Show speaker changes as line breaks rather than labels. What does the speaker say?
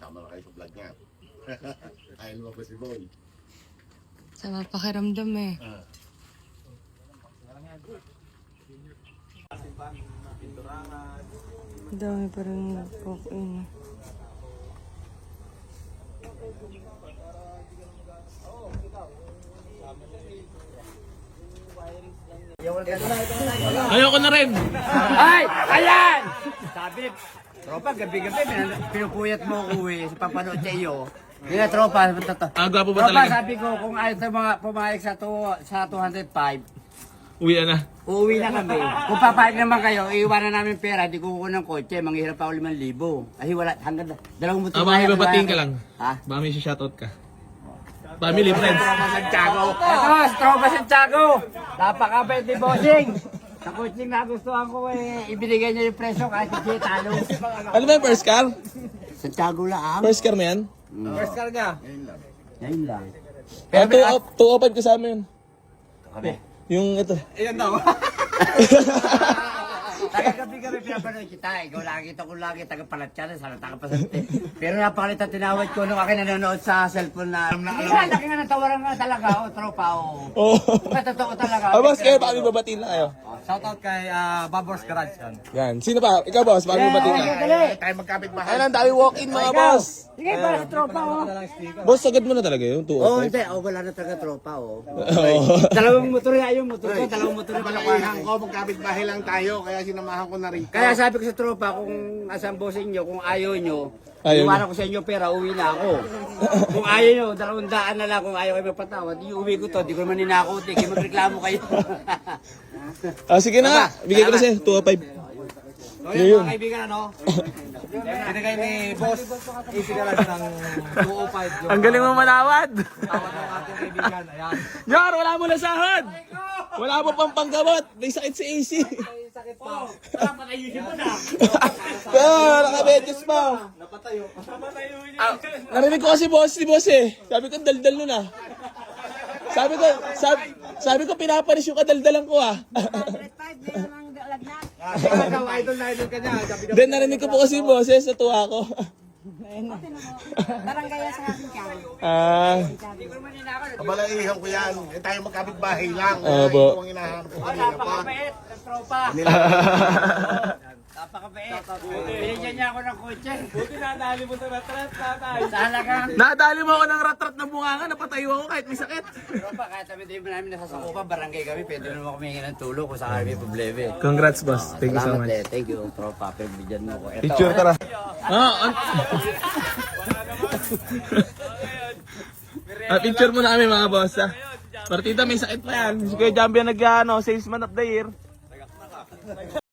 Sama na kayo sa vlog niya. Ayaw mo ba si Boy?
Sama pakiramdam eh. Dami pa rin nag-walk-in.
Ayoko na rin.
Ay! Ayan! Sabi, tropa, gabi-gabi, pinupuyat mo ko eh, sa papanood sa iyo. Kaya tropa,
Gwapo ba
tropa,
talaga?
sabi ko, kung ayaw tayo mga pumayag sa 205,
Uwi na.
uuwi na kami. Kung papayag naman kayo, iiwanan namin pera, di ko kukuha ng kotse, manghihirap ako 5,000. Ay, wala, hanggang dalawang motor.
May babatiin ka lang.
Ha?
Baka may shoutout ka. Family, friends.
Tropa Santiago. Ito, Tropa Santiago. Napakabait ni Bossing. Sa coaching na gustuhan ko eh, ibinigay niya yung presyo kahit hindi talo.
Ano ba yung first car?
Santiago lang.
First car mo yan?
First car niya? Ngayon lang.
Pero 205 kasama yun.
Kami.
Yung ito.
Ayan daw. Taga-gabi-gabi pinapanood kita. Ikaw lagi, ito ko lagi, taga-palatyan, sana taga-pasante. Pero napakalit ang tinawad ko nung akin nanonood sa cellphone na hindi nga, laki nga natawaran nga talaga, tropa,
Oo.
Kung totoo talaga.
Boss, kayo, baka may babatiin na kayo.
Shoutout kay Babors Garage yan.
Yan. Sino pa? Ikaw, boss, baka may babatiin na.
Tayo magkapit bahay.
Ayun, ang dami walk-in mga boss.
Sige, para sa tropa,
Boss, sagad mo na talaga yung 205.
Oo, hindi. Wala na talaga tropa,
Oo.
Dalawang motor nga yung motor ko, dalawang motor na
Palakuhan ko, magkapit bahay lang tayo, kaya sinamahan ko na rin.
Kaya sabi ko sa tropa, kung asan bossing nyo, kung ayaw nyo,
Ayaw
iwanan ko sa inyo pera, uwi na ako. Kung ayaw nyo, 200 na lang, kung ayaw kayo magpatawad, uwi ko to, di ko naman ninakaw, di kayo magreklamo kayo.
Sige na nga. Bigay ko na sa'yo, 205.
So yun, mga kaibigan, ano? Binigay ni Boss Easy Garage ng 205 yung
Ang galing mo manawad.
tawad ng ating kaibigan. Ayan.
Yor, wala mo na sahod. Wala mo pang panggamot. May sakit si AC.
Sakit po. Tara, patayusin mo na.
Nakabedyos pa.
Napatayo.
Narinig ko kasi si boss eh. Sabi ko, daldal nun ah. Sabi ko, pinapanis yung kadaldalan ko ah.
Idol na idol ka niya.
Then narinig ko po kasi boss eh, sa tuwa ko.
Barangay sa akin ka.
Kabalaihan ko yan. Tayo magkapit bahay lang.
Opo.
Ito ang inahanap ko kanina pa.
Napakabait ng tropa. Napakabait. Binigyan niya ako ng kotse. Buti nadali mo sa ratrat, tatay. Talaga.
Nadali mo ako ng ratrat na bunganga, napatayo ako kahit may sakit.
Tropa, kahit sabi din namin nasasakupan, barangay kami, pwede naman kami hingin ng tulong kung sakali may problema.
Congrats boss. Thank you so
Salamat
much.
eh. Thank you, tropa. Pagbigyan mo ko. Ito,
Picture tara. Picture mo na kami mga boss ha. Partida may sakit pa yan. Si Kuya Jambi ang salesman of the year.